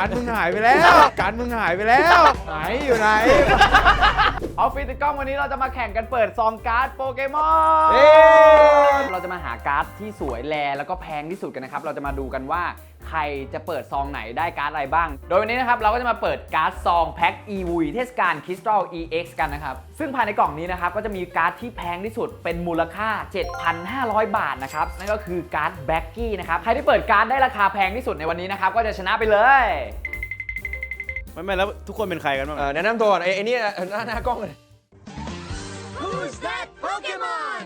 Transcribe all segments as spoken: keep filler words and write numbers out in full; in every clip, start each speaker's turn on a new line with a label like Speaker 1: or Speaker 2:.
Speaker 1: การมึงหายไปแล้วการมึงหายไปแล้วไหนอยู่ไหน
Speaker 2: ออฟฟิศติดกล้องวันนี้เราจะมาแข่งกันเปิดซองการ์ดโปเกมอน เราจะมาหาการ์ดที่สวยแลแล้วก็แพงที่สุดกันนะครับ เราจะมาดูกันว่าใครจะเปิดซองไหนได้การ์ดอะไรบ้าง โดยวันนี้นะครับเราก็จะมาเปิดการ์ดซองแพ็ค อี วี เทศกาล Crystal อี เอ็กซ์ กันนะครับ ซึ่งภายในกล่องนี้นะครับก็จะมีการ์ดที่แพงที่สุดเป็นมูลค่า เจ็ดพันห้าร้อย บาทนะครับ นั่นก็คือการ์ดแบ็กกี้นะครับ ใครที่เปิดการ์ดได้ราคาแพงที่สุดในวันนี้นะครับก็จะชนะไปเลย
Speaker 1: ไม่ไม่แล้วทุกคนเป็นใครกันบ้าง
Speaker 3: แนะนำตัวก่อนไอ้ไอ้นี่หน้าหน้ากล้องเลย
Speaker 4: Who's that Pokemon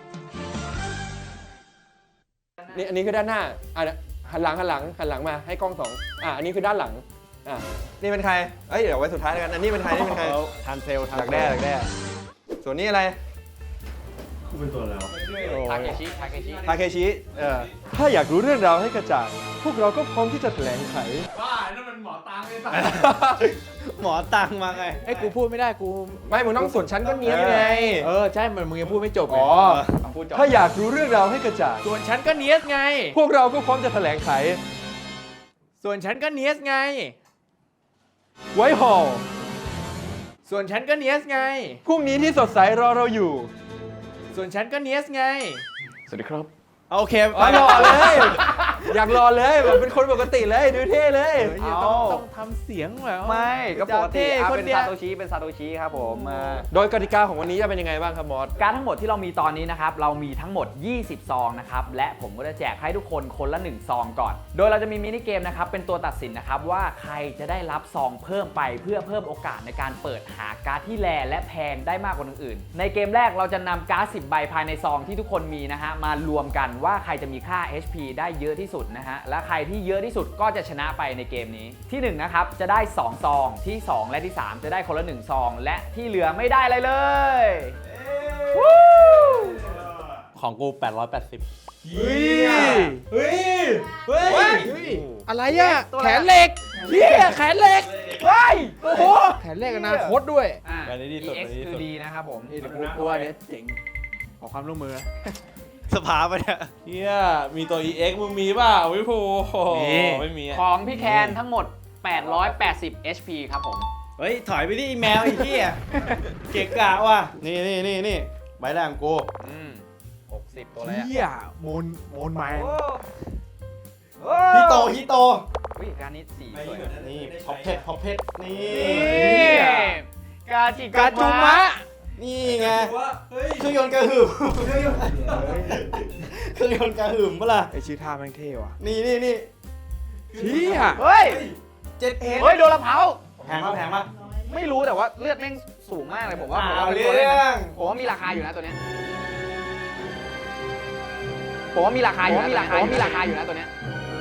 Speaker 3: นี่อันนี้คือด้านหน้าอ่ะหันหลังหันหลังหันหลังมาให้กล้องสองอ่ะอันนี้คือด้านหลังอ่ะนี่เป็นใครเอ้ยเดี๋ยวไว้สุดท้ายแล้วกันอันนี้เป็นใครนี่เป็นใคร
Speaker 1: ทานเซลทาน
Speaker 3: ดักแด้ดักแด้ส่วนนี้อะไร
Speaker 1: กูเป็นตัวแล้ว
Speaker 2: ทาเคชิทาเคชิ
Speaker 3: ทาเคชิเออถ้าอยากรู้เรื่องราวให้กระจ่างพวกเราก็พร้อมที่จะแถลงไข
Speaker 2: บ้านั่นมันหมอตังไม่ตา
Speaker 1: หมอตังมาไงไอ้กูพูดไม่ได้กู
Speaker 3: ไม่มึงต้องส่วนชั้นก็เนี้ยไง
Speaker 1: เออใช่มันมึงยังพูดไม่จบ
Speaker 3: อ๋อ
Speaker 2: พูดจบ
Speaker 3: ถ้าอยากรู้เรื่องราวให้กระจ่าง
Speaker 1: ส่วนฉันก็เนียสไง
Speaker 3: พวกเราก็พร้อมจะแถลงไข
Speaker 1: ส่วนฉันก็เนียสไง
Speaker 3: ไว้ฮอล
Speaker 1: ส่วนฉันก็เนียสไง
Speaker 3: พรุ่งนี้ที่สดใสรอเราอยู่
Speaker 1: ส่วนฉันก็เนียสไง
Speaker 2: สวัสดีครับ
Speaker 1: โอเค
Speaker 3: อ๋อรอเลย อยากรอเลยแบบเป็นคนปกติเลยดูเท่เลย
Speaker 1: เฮ้ยต้องต้องทำเสียงแบบ
Speaker 2: ไม่ก็ปกติอ่ะ
Speaker 1: คน
Speaker 2: เป็น
Speaker 1: เดีย
Speaker 2: ซาว โตชิเป็นซาโตชิครับผมอ่า
Speaker 3: โดยกติกาของวันนี้จะเป็นยังไงบ้างครับมอส
Speaker 2: การดทั้งหมดที่เรามีตอนนี้นะครับเรามีทั้งหมดยี่สิบซองนะครับและผมก็จะแจกให้ทุกคนคนละหนึ่งซองก่อนโดยเราจะมีมินิเกมนะครับเป็นตัวตัดสินนะครับว่าใครจะได้รับซองเพิ่มไปเพื่อเพิ่มโอกาสในการเปิดหาการ์ดที่แรและแพงได้มากกว่าคนอื่นในเกมแรกเราจะนำการ์ดสิบใบภายในซองที่ทุกคนมีนะฮะมารวมกันว่าใครจะมีค่า เอช พี ได้เยอะที่สุดนะฮะและใครที่เยอะที่สุดก็จะชนะไปในเกมนี้ที่หนึ่งนะครับจะได้สองซองที่สองและที่สามจะได้คนละหนึ่งซองและที่เหลือไม่ได้อะไรเลย
Speaker 1: ของกูแปดร้อยแปดสิบ
Speaker 3: เฮ้ยเฮ้ยเฮ้ย
Speaker 1: อะไรอ่ะแขนเหล็กเฮียแขนเหล็ก
Speaker 2: เฮ้ยโอ้โห
Speaker 1: แขนเหล็กอนาคตด้วย
Speaker 2: อ่ะ
Speaker 1: อันนี้ดีสุด
Speaker 2: อี เอ็กซ์
Speaker 1: อันนี้ดีสุด
Speaker 2: คือดีนะครับผม
Speaker 1: นี่แต่กูกลัวเนี่ยเจ๋งขอความร่วมมือสภาปะเนี่ย
Speaker 5: เฮียมีตัว อี เอ็กซ์ มึงมีเปล่าวิภู
Speaker 1: มี
Speaker 5: ไม่มีอะ
Speaker 2: ของพี่แคนทั้งหมดแปดร้อยแปดสิบ เอช พี ครับผม
Speaker 5: เฮ้ย ถอยไปดิแมวไอ้เหี้ย เกะกะว่ะ นี่นี่นี่นี่ใบแรกของกู
Speaker 2: อืมหกสิบตัวอะไรอะ
Speaker 1: เฮียโมนโมนแมน
Speaker 5: ฮิโตฮิโต
Speaker 2: วิการนี้สีสวย
Speaker 5: นี่พ็อปเพชรพ็อปเพชรนี่
Speaker 2: นี่กาจิ
Speaker 1: กาจูมะ
Speaker 5: นี่ไงเครื่องยนต์กระหึ่มเครื่องยนต์กระหึ่มปะล่ะ
Speaker 1: ไอชื่อท่าแม่งเท่ว่ะ
Speaker 5: นี่นี่นี่
Speaker 1: เฮีย
Speaker 2: เฮ้ย
Speaker 5: เจ็ดเอ็ด
Speaker 2: เฮ้ยโดนละเผา
Speaker 5: แพงปะแพงปะ
Speaker 2: ไม่รู้แต่ว่าเลือดแม่งสูงมากเลยผมว่าผม
Speaker 5: เอา
Speaker 2: ว่าเป็น
Speaker 5: เรื่
Speaker 2: ตัวเล่น
Speaker 5: อ
Speaker 2: นะ
Speaker 5: ง
Speaker 2: ผมว่ามีราคาอยู่นะตัวเนี้ยผมว่ามีราคาอยู่นะมีราคามีราคาอยู่นะตัวเนี้ย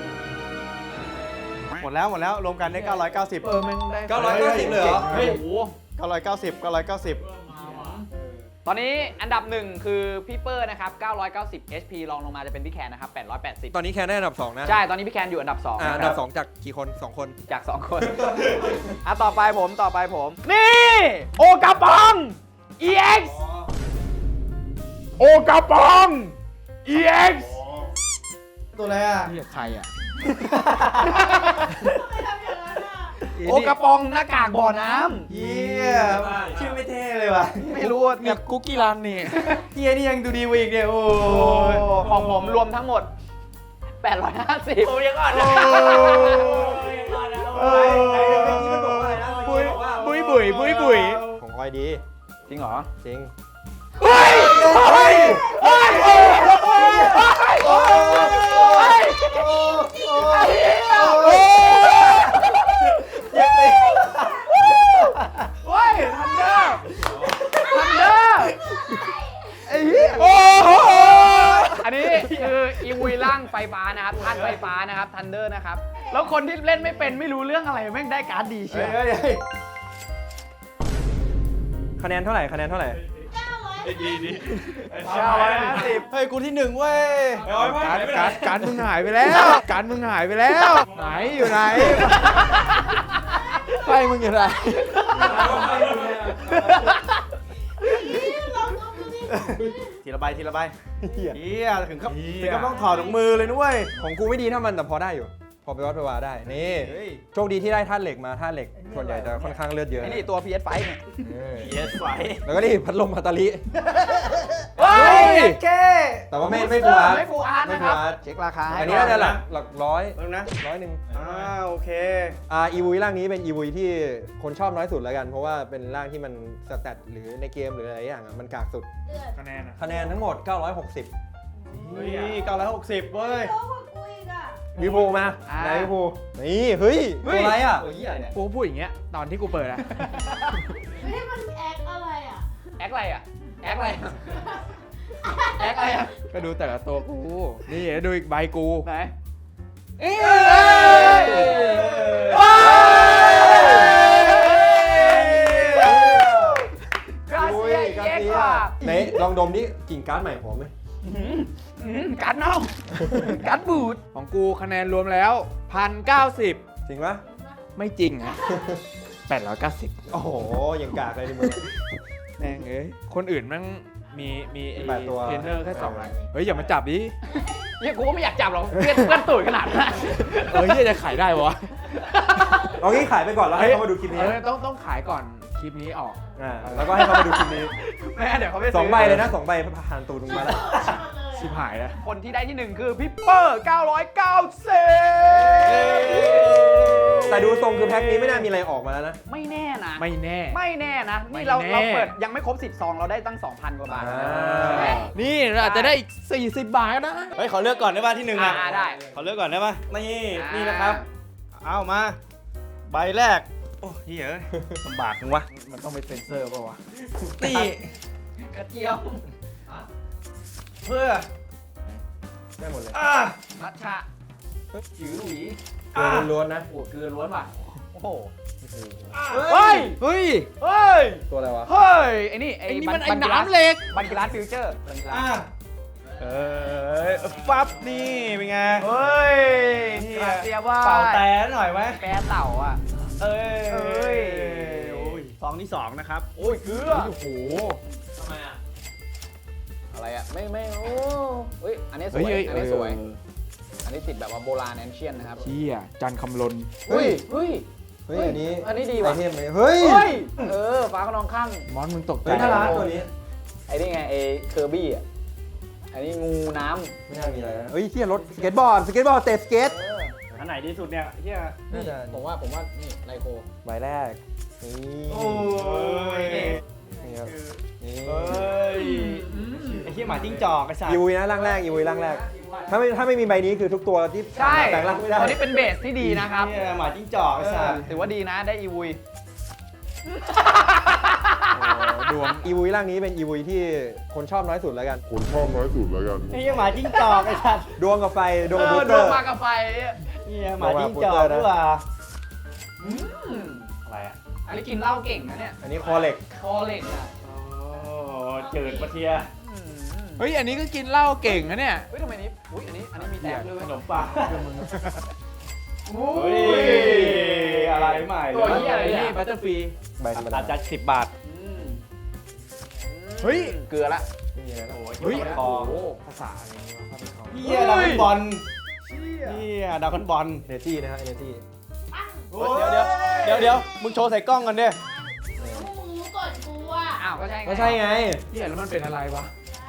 Speaker 5: หมดแล้วหมดแล้วรวมกันได้เก้าร้อยเก้าสิบ
Speaker 1: เออแม่งได้
Speaker 5: เก้าร้อยเก้าสิบเลยเหรอ
Speaker 2: โอ้โห
Speaker 5: เก้าร้อยเก้าสิบ เก้าร้อยเก้าสิบ
Speaker 2: ตอนนี้อันดับหนึ่งคือพี่เปอร์นะครับเก้าร้อยเก้าสิบ เอช พี รองลงมาจะเป็นพี่แคนนะครับแปดร้อยแปดสิบ
Speaker 3: ตอนนี้แคนได้อันดับสองนะ
Speaker 2: ใช่ ตอนนี้พี่แคนอยู่อันดับสอง
Speaker 3: อ่า
Speaker 2: นะ
Speaker 3: อัน
Speaker 2: ค
Speaker 3: ดั
Speaker 2: รั
Speaker 3: บบ สองจากกี่คนสองคน
Speaker 2: จากสองคน อ่ะต่อไปผมต่อไปผม นี่ โอกาปอง อี เอ็กซ์ โอกาปอง อี เอ็กซ์
Speaker 5: ตัวอะไรอ่ะ
Speaker 1: เฮียใครอ่ะ
Speaker 2: โอกาปองหน้ากากบ่อน้
Speaker 5: เฮียชื่อไม่เท่เลยว่ะ
Speaker 2: ำไม่รู้ว่า
Speaker 1: มีคุกกี้รันนี่
Speaker 5: เฮียนี่ยังดูดีกว่าอีกเนี่ยโอ้
Speaker 2: โอ้
Speaker 5: ย
Speaker 2: ยของผมรวมทั้งหมด แปดร้อยห้าสิบ
Speaker 5: โอ้ยยังอ่อนนะ
Speaker 1: เออ บุยบุยบุยบุยบุย
Speaker 5: ของคอยดี
Speaker 2: จริงเหรอ
Speaker 5: จริง
Speaker 2: เฮ้ย เฮ้ย เฮ้ย เฮ้ย เฮ้ย เฮ้ย เฮ้ยทันเดอร์ทันเดอร์ไอ้เหี้ยโอ้โหอันนี้คืออีวีร่างไฟฟ้านะครับธาตุไฟฟ้านะครับทันเดอร์นะครับ แล้วคนที่เล่นไม่เป็นไม่รู้เรื่องอะไรแม่งได้การ์ดดีเชียว
Speaker 5: เฮ้ยเฮ้ย
Speaker 3: คะแนนเท่าไหร่คะแนนเท่าไหร่
Speaker 2: เก้าร้อยห้าสิบ
Speaker 5: เฮ้ยกูที่หนึ่งเว้ย
Speaker 1: การการการมึงหายไปแล้วการมึงหายไปแล้วไหนอยู่ไหนไปมึงอยู่ไหน
Speaker 5: ทีละใบทีละใบ
Speaker 3: เหี้ย
Speaker 5: เฮียถึงกับถึงกับต้องถอดถุงมือเลยนุ้ย
Speaker 3: ของกูไม่ดีเท่ามันแต่พอได้อยู่พอไปวัดไปวาได้ นี่
Speaker 5: เฮ้ย
Speaker 3: โชคดีที่ได้ธาตุเหล็กมาธาตุเหล็ก ส่วนใหญ่จะค่อนข้างเลือดเยอะ
Speaker 2: ไอ้นี่ตัว พี เอส ไฟว์ เนี่ย
Speaker 3: เออ
Speaker 5: เยสไฟ
Speaker 3: แล้วก็นี่พัดลมพัตาลิ
Speaker 2: เฮ้ย
Speaker 5: แค่
Speaker 3: แต่ว่าไม่ไม่ฟูอาร์ต
Speaker 2: ไม่ฟูอาร์ต
Speaker 3: ไม่
Speaker 2: นะ
Speaker 3: ฟู
Speaker 2: ครับ
Speaker 3: อาร์ต
Speaker 2: เช็คราคาให้
Speaker 3: อันนี้น่าจะหลักหลักร้อย
Speaker 5: เพิ่งนะ
Speaker 3: ร้อยหนึ่ง
Speaker 5: อ่าโอเค
Speaker 3: อ่าอีวีร่างนี้เป็นอีวีที่คนชอบน้อยสุดแล้วกัน เพราะว่าเป็นร่างที่มันสแตทหรือในเกมหรืออะไรอย่างอะมันกากสุด
Speaker 4: เดือด
Speaker 1: คะแนนอะ
Speaker 3: คะแนนทั้งหมด เก้าร้อยหกสิบ
Speaker 5: เฮ้ยเก้าร้อยหกสิบเว้ย
Speaker 4: โตกว่ากูอีกอ่ะ
Speaker 3: วิภูมาไหนวิภูนี่เฮ้ยตัวอะไรอ่ะ
Speaker 5: ตัวเหี้ยเนี่ย
Speaker 1: กูพูดอย่างเงี้ยตอนที่กูเปิดอะ
Speaker 4: ไม่ให้มันแอคอะไรอ่ะ
Speaker 2: แอคอะไรอ่ะ แอคอะไรอะแอคอะไรอ่ะ
Speaker 1: ก็ดูแต่ละตัวกู นี่เดี๋ยวดูอีกใบกู
Speaker 2: ไหน
Speaker 1: เอ้ย
Speaker 2: กราเซีย
Speaker 3: กา
Speaker 2: เอ็ก
Speaker 3: เซี
Speaker 2: ซ์
Speaker 3: ย
Speaker 2: ว่ะ
Speaker 3: ไหนลองดมดิกลิ่นการ์ดใหม่หอมไหม
Speaker 2: อืมกัดเน่ากัดบูด
Speaker 1: ของกูคะแนนรวมแล้วพันเก้าสิบ
Speaker 3: จริงปะ
Speaker 1: ไม่จริงอะแปดร้อยเก้าสิบ
Speaker 3: โอ้โหยังกากเลยดิมึง
Speaker 1: แม่งเอ้ยคนอื่นแมันมีมีไอ้
Speaker 3: แปดตัว
Speaker 1: เทรนเนอร์แค่สองอันเฮ้ยอย่ามาจับดิ
Speaker 2: เฮียกูก็ไม่อยากจับหรอกเพื่อนเพื่อนตูดขนาดนั้น
Speaker 1: เฮ้ยเหี้ยจะขายได้วะ
Speaker 3: เอางี้ขายไปก่อนแล้วให้เขามาดูคลิปนี้
Speaker 1: เออต้องต้องขายก่อนคลิปนี้ออก
Speaker 3: อ่าแล้วก็ให้เขามาดูคลิปนี้
Speaker 2: แม่เดี๋ยวเขาไป
Speaker 3: สองใบเลยนะสองใบผ่านตูดมึงมาแล้ว
Speaker 1: ชิบหายแล้ว
Speaker 2: คนที่ได้ที่หนึ่งคือพี่เปอร์เก้าร้อยเก้าสิบ
Speaker 3: แต่ดูทรงคือแพ็คนี้ไม่น่ามีอะไรออกมาแล้วนะ
Speaker 2: ไม่แน่นะ
Speaker 1: ไม่แน่
Speaker 2: ไม่แน่นะ
Speaker 1: ไม่
Speaker 2: นี่เรา
Speaker 1: แน่
Speaker 2: เราเปิดยังไม่ครบสิบซองเราได้ตั้ง สองพัน กว่าบาท
Speaker 3: อ่า
Speaker 1: นี่เราอาจจะได้อีกสี่สิบบาทก็ได้
Speaker 5: เฮ้ยขอเลือกก่อนได้ป่ะที่หนึ่งอ่ะ
Speaker 2: อ่าได้
Speaker 5: ขอเลือกก่อนได้ป่ะนี่
Speaker 2: อ่านี่
Speaker 5: นี่นะครับ เอามา ใบแรก โอ้เหี้ยเอ้ยลำบากจังวะ
Speaker 1: มันต้องไปเซ็นเซอร์ป่าวะ
Speaker 5: นี่
Speaker 2: กระเจียว
Speaker 5: เพื่อ
Speaker 3: ได้หมดเลย
Speaker 5: อ่า
Speaker 2: มัทฉะจิ๋วหลุย
Speaker 3: เกลือล้วนๆนะ
Speaker 2: โอ้เกลือล้วนว่ะโอ้โห
Speaker 1: เฮ้ย เฮ้ย
Speaker 2: เฮ้ย
Speaker 3: ตัวอะไรวะ
Speaker 2: เฮ้ยไอ้นี่ไอ้
Speaker 1: ไอ้นี่
Speaker 2: บั
Speaker 1: มันไอ้
Speaker 2: บักิ
Speaker 1: น้ำเหล็ก
Speaker 2: บันกิรัสฟิวเจอร์บันกิรั
Speaker 5: อ่า
Speaker 2: ส
Speaker 5: เอ้ยปั๊บนี่เป็นไง
Speaker 2: เฮ้ย
Speaker 5: เหี้ย
Speaker 2: กระเจียวว่า
Speaker 5: เป่าแต่หน่อยไหม
Speaker 2: แปรเต่าอ่ะ
Speaker 5: เอ้ย
Speaker 2: เอ้ย
Speaker 5: โอ้ยซองที่สองนะครับ
Speaker 2: โอ้ยเกลือ
Speaker 1: โอ้โห
Speaker 5: ทำไมอ่ะ
Speaker 2: อะไรอ่ะไม่ไม่โอ้เฮ้ยอันนี้ส
Speaker 1: เฮ้
Speaker 2: วย ย
Speaker 1: เฮ้ย
Speaker 2: อัน
Speaker 1: เอ
Speaker 2: นี้
Speaker 1: อ
Speaker 2: สวย อันนี้ติดแบบว่าโบราณแอนเชียนนะครับ
Speaker 1: เชี่ยจันคำลน
Speaker 3: เฮ้ย
Speaker 2: เฮ้ย
Speaker 3: เฮ้ย อันนี้
Speaker 2: อันนี้ดี
Speaker 3: ไอ
Speaker 2: ว่ะ
Speaker 3: เทมเลยเฮ้ย
Speaker 2: เฮ้ยเออฟ้าขนองข้าง
Speaker 1: มอนมึงตกใจ
Speaker 3: เฮ้ยน่ารักตัวนี้
Speaker 2: ไอ้นี่ไงไอ้เคอร์บี้อ่ะอันนี้งูน้
Speaker 3: ไม่น่ามีอะไรนะเฮ้ยเที่ยรถสเก็ตบอร์ด สเก็ตบอร์ดเตะสเก็ต
Speaker 2: ำ
Speaker 5: อันไหนดีสุดเนี่ยเฮีย
Speaker 3: น่าจะ
Speaker 2: ผมว่าผมว่านี่ไลโค
Speaker 3: ใบแรก นี่
Speaker 5: โอ้ย
Speaker 3: นี่ครับนี่
Speaker 5: เฮ้ยไอ้เฮียหมาจิ้งจอกไอ้สัตว์
Speaker 3: อีวีนะร่างแรกอีวีร่างแรก ถ้าไม่ถ้าไม่มีใบนี้คือทุกตัวที่
Speaker 2: ใช่
Speaker 3: แปลงร่างไม่ได้
Speaker 2: ตัวนี้เป็นเบสที่ดีนะครับ
Speaker 5: เฮียหมาจิ้งจอกไอ้สัตว์
Speaker 2: ถือว่าดีนะได้อีวุย
Speaker 1: ดวง
Speaker 3: อีวีร่างนี้เป็นอีวีที่คนชอบน้อยสุดแล้วกัน
Speaker 6: คนชอบน้อยสุดแล้วกัน
Speaker 5: ไอ้เฮียหมาจิ้งจอกไอ้สัตว์
Speaker 3: ดวงกับไฟ ดวง
Speaker 2: เอ
Speaker 3: กับบู
Speaker 2: อ
Speaker 3: ส
Speaker 2: ด
Speaker 3: เตอ
Speaker 2: วง
Speaker 3: ร์
Speaker 2: มากับไฟ
Speaker 5: เฮียหมาจิ้งจอกด้วยว่ะ
Speaker 2: อืม
Speaker 5: อะไรอ่ะ
Speaker 2: อันนี้กินเหล้าเก่งนะเนี่ย
Speaker 3: อันนี้คอเหล็ก
Speaker 2: คอเหล็กอ่ะ
Speaker 5: โอ้จืดปะเทีย
Speaker 2: อืม
Speaker 1: เฮ้ย อันนี้ก็กินเหล้าเก่งนะเนี่ย
Speaker 2: เฮ้ยทำไมนี้อุ้ยอันนี้อันนี้มีแต้มด้วย
Speaker 5: ขนมปัง
Speaker 2: อุ้
Speaker 5: เฮ้ยอะไรใหม่
Speaker 2: ตัวเหี้ยอะไรเนี่ย
Speaker 1: บัตเตอร์ฟรี
Speaker 3: ใบธรรมดา
Speaker 5: อาจจะสิบบาท
Speaker 2: อืม
Speaker 1: เฮ้ย
Speaker 2: เกลือละ
Speaker 3: ไม่มีอะไรแล้ว
Speaker 1: เฮ้ย
Speaker 5: คอ
Speaker 1: โอ้โหภาษาอะไรนี่วะเข้าไปเขา
Speaker 5: เฮียดาวน์บอลเฮียดาวน์บอล
Speaker 3: เอเนจีนะฮะเอเนจี
Speaker 5: เดี๋ยวเดี๋ยวเดี๋ยวเดี๋ยวมึงโชว์ใส่กล้องกันดิ
Speaker 4: มึงรู้ก่อนกูอ่ะ
Speaker 2: อ้าวก็ใช่ไง
Speaker 3: ก็ใช่ไง
Speaker 1: เฮียแล้วมันเป็นอะไรวะ
Speaker 4: ได้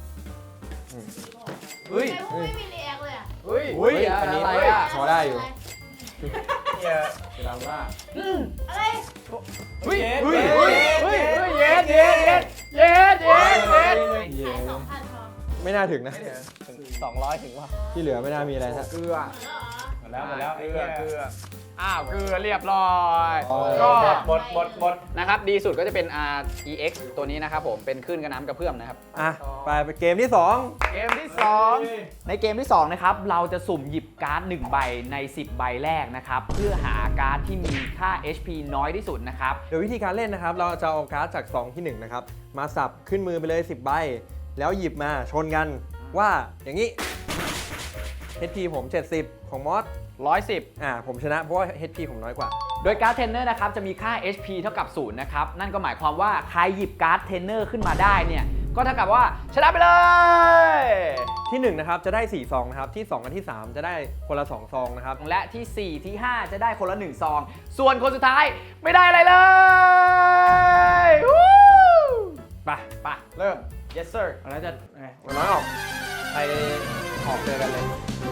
Speaker 1: เฮ้ย
Speaker 4: ไอ้พวกไม่มีรีแอคเลยอ่ะ
Speaker 2: เฮ้ย
Speaker 1: เฮ้ย
Speaker 3: อันนี้
Speaker 2: อะไรอ่ะ
Speaker 3: พอได้อยู่
Speaker 5: เฮีย
Speaker 1: เวลาว่า
Speaker 4: อะไร
Speaker 2: เฮ้ย
Speaker 5: เฮ้
Speaker 2: เฮ้
Speaker 5: ย
Speaker 2: ยเฮ้ยเฮ้ยเย็ดเย็ดเย็ดเย็ดเย็ดเย็ด
Speaker 3: เย้
Speaker 4: ขายสองพันพอ
Speaker 3: ไม่น่าถึงนะ
Speaker 5: สองร้อยถึงว่ะ
Speaker 3: ที่เหลือไม่น่ามีอะไรฮะ
Speaker 2: เกลือ
Speaker 4: เหรอ
Speaker 5: หมดแล้วหมดแล้วไอ้
Speaker 2: เกลื
Speaker 5: เฮี
Speaker 2: อย เกลืออ้าวเกลือเรียบร้อย
Speaker 3: อ๋อ
Speaker 2: ก็
Speaker 5: หมดหมดหมด
Speaker 2: นะครับดีสุดก็จะเป็น R E X ตัวนี้นะครับผมเป็นคลื่นกระน้ำกระเพื่อมนะครับ
Speaker 3: อ่ะ ไปไปเกมที่สอง
Speaker 2: เกมที่สองในเกมที่สองนะครับเราจะสุ่มหยิบการ์ดหนึ่งใบในสิบใบแรกนะครับเพื่อหาการ์ดที่มีค่า เอช พี น้อยที่สุดนะครับ
Speaker 3: โดยวิธีการเล่นนะครับ เราจะเอาการ์ดจากซองที่หนึ่งนะครับ มาสับขึ้นมือไปเลยสิบใบ แล้วหยิบมาชนกันว่าอย่างนี้ เอช พี ผม เจ็ดสิบ ของมอส
Speaker 2: หนึ่งร้อยสิบ
Speaker 3: อ่า ผมชนะเพราะว่า เอช พี ผมน้อยกว่า
Speaker 2: โดยการ์ดเทรนเนอร์นะครับจะมีค่า เอช พี เท่ากับศูนย์นะครับนั่นก็หมายความว่าใครหยิบการ์ดเทรนเนอร์ขึ้นมาได้เนี่ยก็เท่ากับว่าชนะไปเลย
Speaker 3: ที่หนึ่งนะครับจะได้สี่ซองนะครับที่สองกับที่สามจะได้คนละสองซองนะครับ
Speaker 2: และที่ สี่ ที่ ห้า จะได้คนละหนึ่งซอง ส่วนคนสุดท้ายไม่ได้อะไรเลยวู้
Speaker 3: ไป
Speaker 2: ไปเริ่ม yes sir
Speaker 1: อะไรจะไง
Speaker 3: วันน้อยออกไปออกเจอกันเลย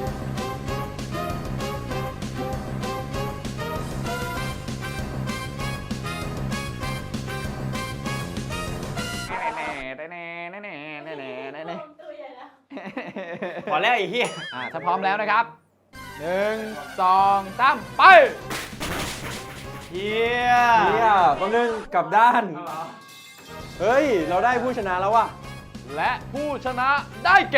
Speaker 4: ตัวใหญ่แล้ว
Speaker 5: พอแล้วไอ้เหี้ย
Speaker 2: อ่าถ้าพร้อมแล้วนะครับหนึ่งสองสามไป
Speaker 5: เหี้ย
Speaker 3: เฮียแป๊บนึงกลับด้าน เฮ้ย เราได้ผู้ชนะแล้วว่ะ
Speaker 2: และผู้ชนะได้แก่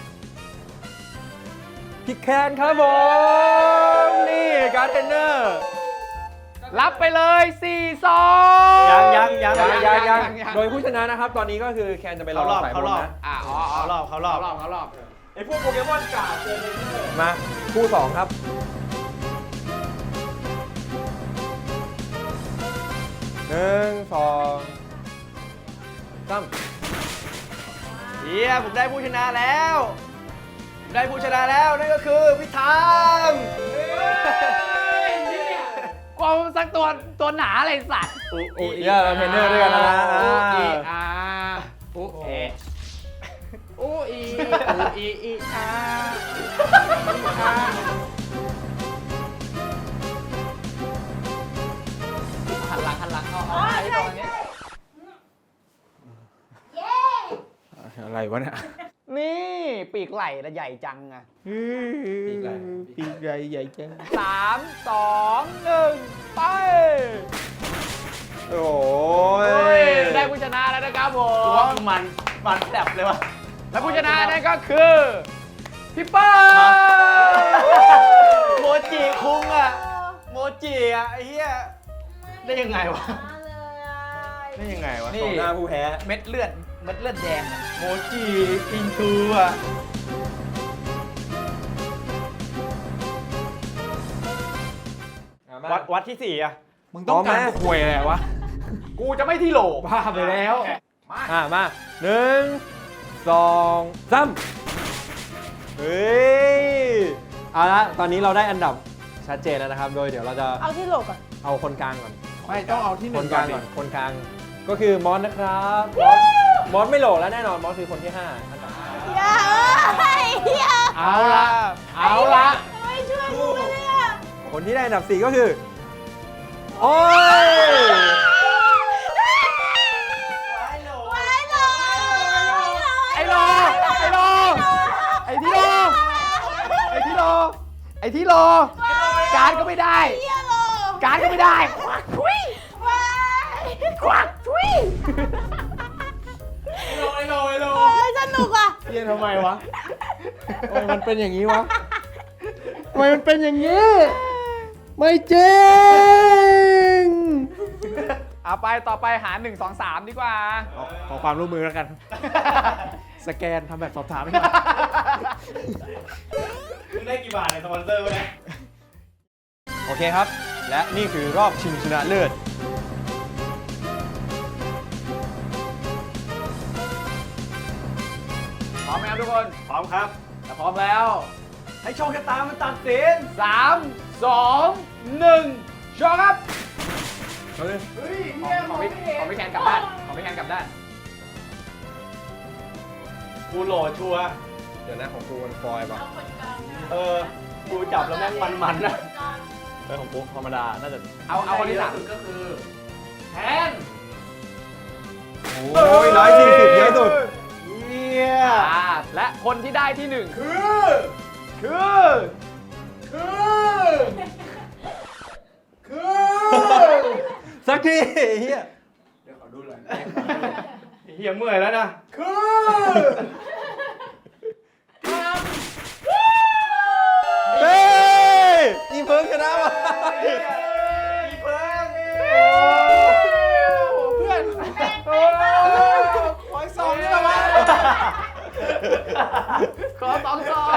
Speaker 3: พี่แคนครับผม นี่การ์ดเทรนเนอร์
Speaker 2: รับไปเลยสี่ซอง
Speaker 5: ยังยังยัง
Speaker 3: ยังยังยัง
Speaker 2: ยัง
Speaker 3: โดยผู้ชนะนะครับ ตอนนี้ก็คือแคนจะไปรอ
Speaker 5: เขารอบ
Speaker 3: สายบ
Speaker 5: เขา
Speaker 3: น
Speaker 5: รอบ
Speaker 3: นะ
Speaker 2: อ่าอ๋ออ๋อ
Speaker 5: เขารอบเขารอบ
Speaker 2: เขารอบเขารอบ
Speaker 3: ไอพวกโปเกมอนกาดเจอเทรนเนอร์มาคู่สองครับหนึ่งสองสาม
Speaker 5: เหี้ยผมได้ผู้ชนะแล้วผมได้ผู้ชนะแล้วนั่นก็คือพี่ทาม
Speaker 2: กลัวมันสักตัวตัวหนาอะไรสัตว์
Speaker 5: อุ
Speaker 3: โอ้
Speaker 5: อี
Speaker 3: ยเราเทรนเนอร์ด้วยกันแล้วนะ
Speaker 2: อู
Speaker 3: อ่า
Speaker 2: อีอาอูเออูอีอูอีอีอาอาหันหลังหันหลังเอาเอาไอ้ตอนนี้
Speaker 4: เย้
Speaker 1: อะไรวะเนี่ย
Speaker 2: นี่ปีกไหล่ละใหญ่จังอะ
Speaker 1: ปีกใหญ่ปีกใหญ่ใหญ่จัง
Speaker 2: สามสองหนึ่งไป
Speaker 3: โอ้
Speaker 2: เฮ้ย
Speaker 3: ย
Speaker 2: ได้ผู้ชนะแล้วนะครับผ
Speaker 5: กูว่าม มันมันแสบเลยวะ
Speaker 2: และผู้ชนะนั่นก็คือพี่เปิ้ล
Speaker 5: โมจิคุงอะโมจิอะไอ้เหี้ย ได้ยังไงวะ
Speaker 4: มาเลยอ่ะ
Speaker 5: ได้ยังไงวะ
Speaker 2: นี่
Speaker 3: สองหน้าผู้แพ้
Speaker 2: เม็ดเลือดเม็ดเลือดแดงอะ
Speaker 5: โมจิปิงทูอะ วัดวัดที่สี่อะ
Speaker 1: มึงต้องการควยอะไรวะ
Speaker 2: กูจะไม่ที่โหล
Speaker 1: บ้าไปแล้ว
Speaker 3: อ่ะมาหนึ่งสองสามเฮ้ยเอาละตอนนี้เราได้อันดับชัดเจนแล้วนะครับ โดยเดี๋ยวเราจะ
Speaker 4: เอาที่โหลก่อน
Speaker 3: เอาคนกลางก่อน
Speaker 1: ไม่ต้องเอาที่ห
Speaker 3: ค
Speaker 1: นึ่
Speaker 3: น
Speaker 1: ง
Speaker 3: ก
Speaker 1: ก่อ
Speaker 3: ลาน ง
Speaker 1: ดิ
Speaker 3: ก่อนคนกลางก็คือมอสนะครับมอสมอสไม่โหลแล้วแน่นอนมอสคือคนที่ห้าอันดับห้า
Speaker 4: อย่าเอ้ยอย่า
Speaker 2: เอาละเอาละ
Speaker 4: ไม่ช่วยกูเลยอ่ะ
Speaker 3: คนที่ได้อันดับสี่ก็คือโอ้ย
Speaker 4: ไว้หรอ
Speaker 2: ไอ้โลไอ้โลไอ้ที่โลไอ้ที่โลไอ้ที่โลการก็ไม่ได้
Speaker 4: เหี้ยโล
Speaker 2: การก็ไม่ได้ควักทุย
Speaker 4: ไว้
Speaker 2: ควักทุย
Speaker 5: ไอ้โลไอ้โลไอ้โล
Speaker 4: โอ้ยสนุกอ่ะ
Speaker 1: เฮียทำไมวะทำไมมันเป็นอย่างนี้วะทำไมมันเป็นอย่างนี้ ไม่จริง
Speaker 2: เอาไปต่อไปหาหนึ่งสองสามดีกว่า
Speaker 1: ขอความร่วมมือแล้วกัน สแกนทำแบบสอบถามให้หน่อย
Speaker 5: มึงได้กี่บาทในสปอนเซอร์วะเนี่ย
Speaker 3: โอเคครับ และนี่คือรอบชิงชนะเลิศ
Speaker 2: พร้อมไหมครับทุกคน
Speaker 5: พร้อมครับ
Speaker 2: ถ้าพร้อมแล้ว
Speaker 5: ให้โชคชะตามันตัดสิน
Speaker 2: สามสองหนึ่งโชว์ครับ
Speaker 5: เฮ้ย
Speaker 2: ของของพี่ของพี่แคนกลับด้านของพี่แคนกลับด้าน
Speaker 5: กูโหลดชัวร์
Speaker 3: เดี๋ยวนะของกูมันฟอยล์ป่ะ
Speaker 4: เอาคนกลางนะ
Speaker 5: เออ กูจับแล้วแม่งมันๆนะ
Speaker 4: คนกลาง
Speaker 3: เออของกูธรรมดา น่าจะ
Speaker 2: เอาเอาคนที่สามก็คือแคน
Speaker 3: โอ้ยร้อยสี่สิบเยอะสุด
Speaker 5: เยี่ย
Speaker 2: อ่าและคนที่ได้ที่หนึ่งคือ คือ
Speaker 5: คือ คือ
Speaker 3: สักทีเฮีย
Speaker 5: เฮียเมื่อยแล้วนะ คือ
Speaker 3: เฮ้ยอีเพิร์กชนะว่ะ
Speaker 5: อีเพิ่ง
Speaker 1: เพื่อน
Speaker 4: โอ้ย
Speaker 1: ขออีกสองนี่แหละวะ
Speaker 2: ขอสองซอง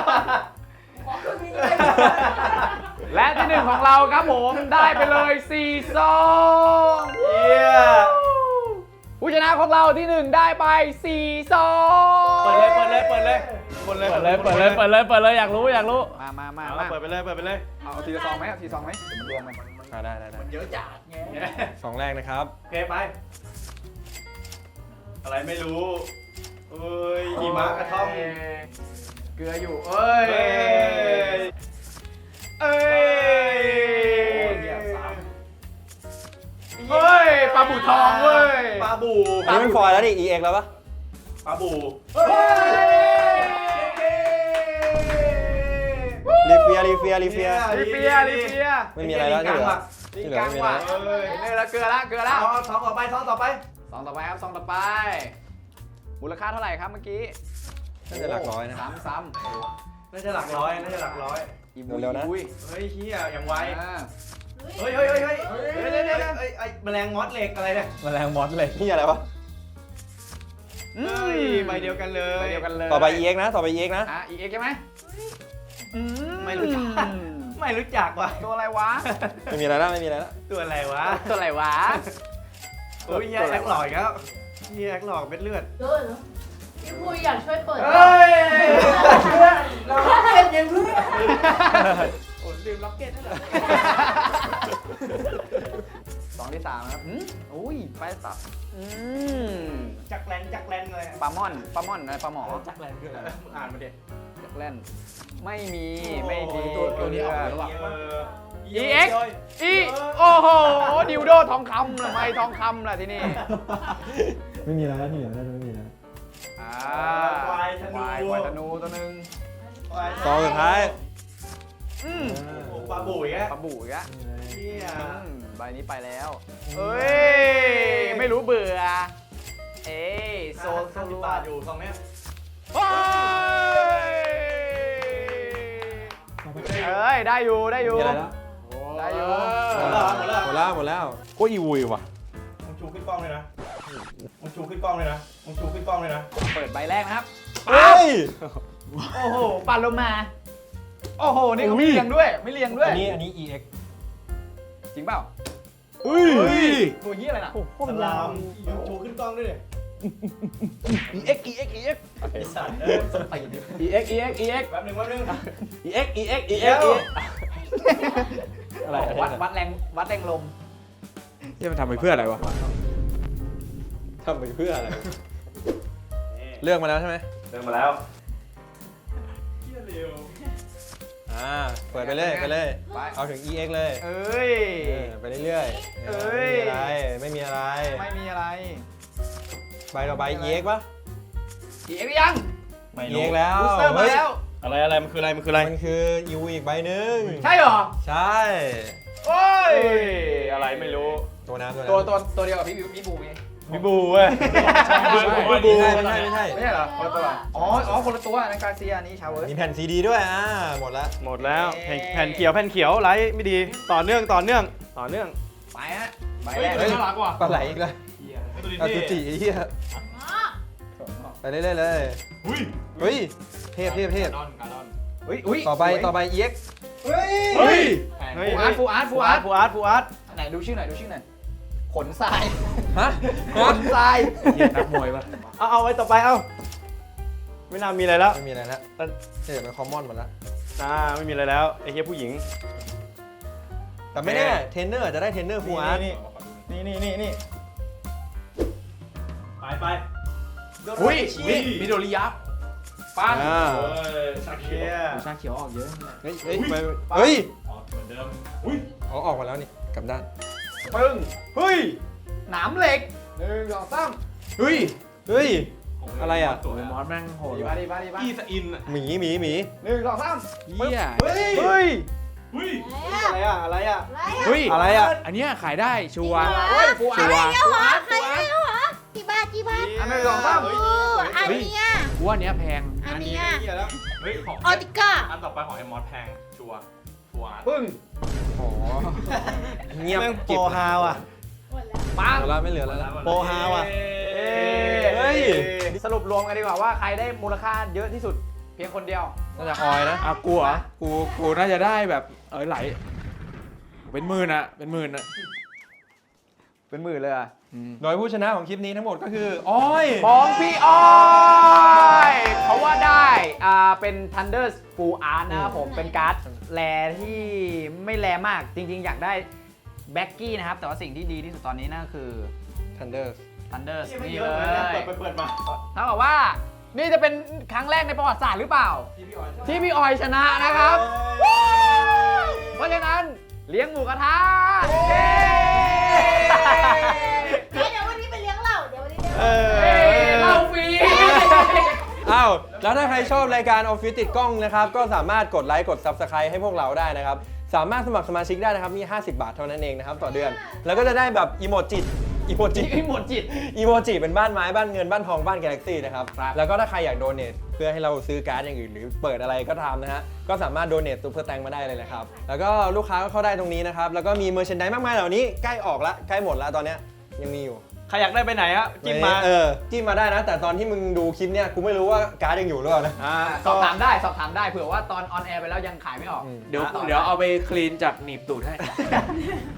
Speaker 2: และที่หนึ่งของเราครับผมได้ไปเลยสี่ซอง
Speaker 5: เยี่ย
Speaker 2: ผู้ชนะของเราที่หนึ่งได้ไปสี่ซอง
Speaker 5: เปิดเลยเปิดเลยเปิดเลยเปิดเลย
Speaker 2: เปิดเลยเปิดเลยเปิดเลยเปิดเลยอยากรู้อยากรู้มามามา
Speaker 5: เอา
Speaker 2: มา
Speaker 5: เปิดไปเลยเปิดไปเลย
Speaker 2: เอาทีละซองไหมเอาทีละซองไหมเดี๋ยวมันรวมกัน
Speaker 3: อ่าได้ได้ได้
Speaker 5: เยอะจัดไง
Speaker 3: สองแรกนะครับ
Speaker 5: โอเคไป อะไรไม่รู้เอ้ยหิมะกระท่อม
Speaker 2: เกลืออยู่เอ้ย
Speaker 5: เอ้ยเอ้ย
Speaker 2: เฮ้ยปลาบูทองเว้ย
Speaker 5: ปลาบู
Speaker 3: อันนี้มันฟอยล์แล้วดิ อี เอ็กซ์ แล้วปะ
Speaker 5: ปลาบู
Speaker 3: รีเฟียรีเฟียรีเฟีย
Speaker 2: ลิเปียลิเปีย
Speaker 3: ไม่มีอะไรแล้วที่เหลือ
Speaker 2: ลิงกังว่ะ
Speaker 5: เอ้ย
Speaker 2: นี่ละเกลือละเกลือละ
Speaker 5: เอาเอาท้องต่อไปท้องต่อไป
Speaker 2: ซองต่อไปครับซองต่อไป มูลค่าเท่าไหร่ครับเมื่อกี้
Speaker 3: น่าจะหลักร้อยนะ
Speaker 2: ซ้ำซ้
Speaker 5: น่าจะหลักร้อยน่าจะหลักร้อย
Speaker 2: ำอี
Speaker 3: เร็วๆนะ
Speaker 2: อุ้ย
Speaker 5: เฮ้ยเฮียอย่างไว
Speaker 2: อ่า
Speaker 5: เฮ้ยเฮ้ยเฮ้ยเฮ้ยเฮ้ยเฮ้ยเฮ้ยเฮ้ยไอ้แมลงมอสเหล็กอะไรเนี่ย
Speaker 3: แมลงมอสเลยนี่อะไรวะ
Speaker 2: อืม
Speaker 5: เฮ้ยใบเดียวกันเลย
Speaker 2: ใบเดียวกันเลย
Speaker 3: ต่อไป อี เอ็กซ์ นะ ต่อไป อี เอ็กซ์ นะ
Speaker 2: อ่ะอีเอ็กซ์ใช่ไหมอื
Speaker 5: ไม่รู้จักไม่รู้จักว่ะ
Speaker 2: ตัวอะไรวะ
Speaker 3: ไม่มีอะไรแล้วไม่มีอะไรแล้ว
Speaker 5: ตัวอะไรวะ
Speaker 2: ตัวอะไรวะ
Speaker 5: โอ้ยเฮียแอคหลอกอีกแล้วเฮียแอคหลอกเม็ดเลือด
Speaker 4: เออพี่พูอยากช่วยเปิด
Speaker 5: เฮ้ยเราเป็นยังไง
Speaker 2: โอ้ลืมล็อกเก็ตนั่นเหรอสองที่สามนะครับอืมอุ้ยไปตับอืม
Speaker 5: จักแลนจักแลนเลย
Speaker 2: ปลาม่อนปลาม่อนอะไรปลาหมอ
Speaker 5: จักแลนคืออะไรมึงอ่านมาดิ
Speaker 2: จักแล่นไม่มีไม่มี
Speaker 5: ตัวนี้ออก
Speaker 2: เก
Speaker 5: แล้
Speaker 2: ลื
Speaker 5: ว
Speaker 2: อ
Speaker 5: อ่ะ
Speaker 2: อีเอ็กซ์ อีโอ้โหดิวโดทองคำทำไมทองคำล่ะที่นี่
Speaker 1: ไม่มีอะไรแล้วที่เหลือน่าจะไม่มีแล้ว
Speaker 2: อ่า
Speaker 5: ควายธนู
Speaker 2: ควายควายธนูตัวหนึ่ง
Speaker 3: ซองสุดท้าย
Speaker 2: อืม
Speaker 5: ปลาบุ๋ยอ่ะ
Speaker 2: ปลาบู่อีกอะ
Speaker 5: เฮีย
Speaker 2: อืมใบนี้ไปแล้วเอ้ยไม่รู้เบื่อเอ้ยโซ
Speaker 5: โซ
Speaker 2: โซ
Speaker 5: โซ
Speaker 2: ลู
Speaker 5: บาทอยู่ตรงเนี้ย
Speaker 2: เฮ้ยเอ้ยได้อยู่ได้อยู่
Speaker 3: มีอะไรแล้ว
Speaker 2: ได้อยู่
Speaker 5: หมดแล้วหมดแล้ว
Speaker 3: หมดแล้วหมดแล้ว
Speaker 1: ก็อีวุยว่ะ
Speaker 5: มึงชูขึ้นกล้องเลยนะมึงชูขึ้นกล้องเลยนะมึงชูขึ้นกล้องเลยนะ
Speaker 2: เปิดใบแรกนะครับ
Speaker 3: เฮ้ย
Speaker 2: โอ้โหปาโลมาโอ้โหนี่เขาไม่เลียงด้วยไม่เลียงด้วย
Speaker 3: อันนี้อันนี้ อี เอ็กซ์
Speaker 2: จริงเปล่า
Speaker 1: เฮ้ย
Speaker 2: ตัวเหี้ยอะไรน่ะ
Speaker 5: สลามมึงชูขึ้นกล้องด้วยดิ
Speaker 2: อีเอ็กอีเอ็กอีเอ็ก
Speaker 5: ไอสัตว์เอ้ยสติดิ
Speaker 2: อีเอ็กอีเอ็กอีเอ็ก
Speaker 5: แป๊บนึงแป๊บนึง
Speaker 2: อีเอ็กอีเอ็กอี
Speaker 5: เดี๋
Speaker 2: เอ็
Speaker 5: ย
Speaker 2: ก
Speaker 5: ว
Speaker 2: อะไรวัดวัดแรงวัดแรงลม
Speaker 1: ที่มันทำไปเพื่ออะไรวะ
Speaker 3: ทำไปเพื่ออะไร เลือกมาแล้วใช่ไหม
Speaker 5: เดินมาแล้วเฮียเร็ว
Speaker 3: อ่า เปิดไปเลยไปเลย
Speaker 2: ไป
Speaker 3: เอาถึง อี เอ็กซ์ เลย
Speaker 2: เอ้ย
Speaker 3: เออไปเรื่อยๆ
Speaker 2: เอ้ย
Speaker 3: ไม่มีอะไร ไม่
Speaker 2: ไม่
Speaker 3: มีอะไร
Speaker 2: มีอะไร
Speaker 3: ใบต่อใบ อี เอ็กซ์ ปะ
Speaker 2: อีเอ็กยัง
Speaker 5: ไม่
Speaker 3: อี
Speaker 5: รู้
Speaker 3: เอ็กซ์ แล้ว
Speaker 2: บูสเตอร์มาแล้ว
Speaker 5: อะไรอะไรมันคืออะไรมันคืออะไร
Speaker 3: มันคือยูอีกใบหนึ่ง
Speaker 2: ใช่เหรอ
Speaker 3: ใช่
Speaker 2: โอ้ย
Speaker 5: อะไรไม่รู้
Speaker 3: ตัวน้ำตัวน้ำ
Speaker 2: ตัวตัวตัวเดียวกับพี่บิวพี่บูไง
Speaker 5: พี่บูเว้ย
Speaker 3: ไม่บูไม่ใช่ไม่ใช่
Speaker 2: ไม่ใช่เหรอคนละตัวเหรออ๋ออ๋อคนละตัวนันกาเซียอันนี้ชาวเวิร์ส
Speaker 3: มีแผ่นซีดีด้วยอ่าหมดละ
Speaker 5: หมดแล้ว
Speaker 2: เย้
Speaker 5: แผ่นแผ่นเขียวแผ่นเขียวไลท์ไม่ดีต่อเนื่องต่อเนื่องต่อเนื่อง
Speaker 2: ไปฮะใบแรก
Speaker 3: เฮ้ย
Speaker 2: น่ารักว่ะ
Speaker 3: ปลาไหลอีกแล้วอาซูจิไอ้เหี้ยไปเรื่อยๆเลยเฮ้ยเทพเทพเทพ
Speaker 2: อุ้ยอุ้ย
Speaker 3: ต่อไป
Speaker 2: สวย
Speaker 3: ต่อไป อี เอ็กซ์
Speaker 5: เฮ้ย
Speaker 2: เฮ้ย
Speaker 5: เฮ้ย
Speaker 2: ฟูอาร์ตฟูอาร์ตฟูอาร์ต
Speaker 5: ฟูอาร์ตฟูอาร์ต
Speaker 2: ไหนดูชื่อหน่อยดูชื่อหน่อยขนทราย
Speaker 3: ฮะ
Speaker 2: ขนทราย
Speaker 1: เหี้ยนักมวยปะ
Speaker 5: เอาเอาไว้ต่อไปเอาไม่น่ามีอะไรแล้ว
Speaker 3: ไม่มีอะไรแล้วเทพเป็นคอมมอนหมดแล้ว
Speaker 5: อ่าไม่มีอะไรแล้วไอ้เหี้ยผู้หญิง
Speaker 3: แต่ไม่แน่เทรนเนอร์อาจจะได้เทรนเนอร์ฟูอาร์ต
Speaker 5: นี่นี่นี่นี่นี่ไปไป
Speaker 2: อุ้ยอุ้ยมิโดริยับปัง
Speaker 3: อ่า
Speaker 5: ชาเคีย
Speaker 2: ชาเขียวออกเยอะ
Speaker 3: เฮ้ยเฮ้ยไปเฮ้ย
Speaker 5: เหมือนเดิมอุ้ย
Speaker 3: เอาออกมาแล้วนี่กลับด้าน
Speaker 2: ปึ้ง
Speaker 5: เฮ้ย
Speaker 2: หนามเหล็กหนึ่งสองสาม
Speaker 3: เฮ้ยเฮ้ยอะไรอ่ะ
Speaker 1: โอ้ยมอสแม่งโหด
Speaker 2: ดี
Speaker 1: ว่ะ
Speaker 2: ป่ะดีป่ะดีป่ะ
Speaker 5: อีสอินอ่ะ
Speaker 3: หมีหมีหมี
Speaker 2: หนึ่งสองสาม
Speaker 1: เหี้ย
Speaker 5: เฮ้ย
Speaker 3: เฮ้ย
Speaker 5: เฮ้ยอะไรอ่ะอะไรอ่ะ
Speaker 1: เฮ้ย
Speaker 3: อะไรอ่ะ
Speaker 1: อันเนี้ยขายได้ชัวร์
Speaker 2: เฮ้ยฟูอา
Speaker 1: ชั
Speaker 2: ร์
Speaker 1: ว
Speaker 2: ต
Speaker 1: ร์
Speaker 4: แล้วเหรอใครแล้วเหรอกี่บาทกี่บาท
Speaker 2: อันหนึ่งสองสาม
Speaker 5: เฮ้ย
Speaker 4: โอ้อันเนี้ย
Speaker 1: กูว่าอันเนี้ยแพง
Speaker 4: อันเนี้ย
Speaker 5: เหี้ยแล้วเฮ้ยของ
Speaker 4: ออติก้า
Speaker 5: อันต่อไปของไอ้มอสแพงชัวร์ชัวร์
Speaker 2: ปึ้ง
Speaker 3: โอ้เงียบ
Speaker 5: แม่งโป
Speaker 3: กิ
Speaker 5: ร
Speaker 3: บ
Speaker 5: ฮาวอ่ะ
Speaker 2: ปัง
Speaker 3: เหลือแล้วไม่เหลือแล้ว
Speaker 5: โปรฮาวอ่ะ
Speaker 2: เอ้
Speaker 3: เฮ้ย
Speaker 2: สรุปรวมกันดีกว่าว่าใครได้มูลค่าเยอะที่สุดเพียงคนเดียว
Speaker 3: น่าจะออยนะ
Speaker 1: อ่ะกูเหรอกูกูน่าจะได้แบบเออไหลเป็นหมื่นอะเป็นหมื่นอะ
Speaker 2: เป็นหมื่นเลยอะ
Speaker 3: โดยผู้ชนะของคลิปนี้ทั้งหมดก็คืออ้อย
Speaker 2: ของพี่อ้อยเพราะว่าได้อ่าเป็น Thunder Full Art นะครับผมเป็นการ์ดแรที่ไม่แรมากจริงๆ อยากได้แบ็กกี้นะครับ แต่ว่าสิ่งที่ดีที่สุดตอนนี้นั่นก็คือ
Speaker 3: Thunder
Speaker 2: Thunder
Speaker 5: ไม่
Speaker 2: นี่
Speaker 5: เย
Speaker 2: เล
Speaker 5: อะเลยนะ
Speaker 2: ย
Speaker 5: เปิดไปเปิดมา
Speaker 2: ถ้าบอกว่านี่จะเป็นครั้งแรกในประวัติศาสตร์หรือเปล่า ที่พี่ออยชนะนะครับ เพราะฉะนั้นเลี้ยงหมูกระทะเย้
Speaker 4: เดี๋ยวเดี๋ยววันนี้ไปเลี้ยงเหล้าเดี๋ยววันนี้เลี้ยง
Speaker 5: เอ
Speaker 2: เฮ้ย
Speaker 5: อ
Speaker 2: เหล่าฟรี
Speaker 3: อ้าวแล้วถ้าใครชอบรายการออฟฟิศติดกล้องนะครับก็สามารถกดไลค์กด Subscribe ให้พวกเราได้นะครับสามารถสมัครสมาชิกได้นะครับมีห้าสิบบาทเท่านั้นเองนะครับต่อเดือน แล้วก็จะได้แบบอีโมจิอีโมจิ
Speaker 2: อีโมจิต
Speaker 3: อีโมจิเป็นบ้านไม้บ้านเงินบ้านทองบ้าน Galaxy นะครับ
Speaker 2: ครับ
Speaker 3: แล้วก็ถ้าใครอยากโดเนทเพื่อให้เราซื้อการ์ดอย่างอื่นหรือเปิดอะไรก็ตามนะฮะก็สามารถโดเนทซูเปอร์แตงมาได้เลยนะครับแล้วก็ลูกค้าก็เข้าได้ตรงนี้นะครับแล้วก็มีเมอร์เชนไดมากมายเหล่านี้ใกล้ออกละใกล้หมดแล้วตอนเนี้ยยังมีอยู่
Speaker 5: ใครอยากได้ไปไหนฮะจิ้มมา
Speaker 3: เออจิ้มมาได้นะ แต่ตอนที่มึงดูคลิปเนี้ยกูไม่รู้ว่าการ์ดยังอยู่หรือเปล่านะ
Speaker 5: อ่า
Speaker 2: สอบถามได้สอบถามได้เผื่อว่าตอนออนแอร์ไปแล้วยังขายไม่ออก
Speaker 3: อืม
Speaker 1: เดี๋ยวเดี๋ยวเอาไปคลีนจากหนีบตูดให้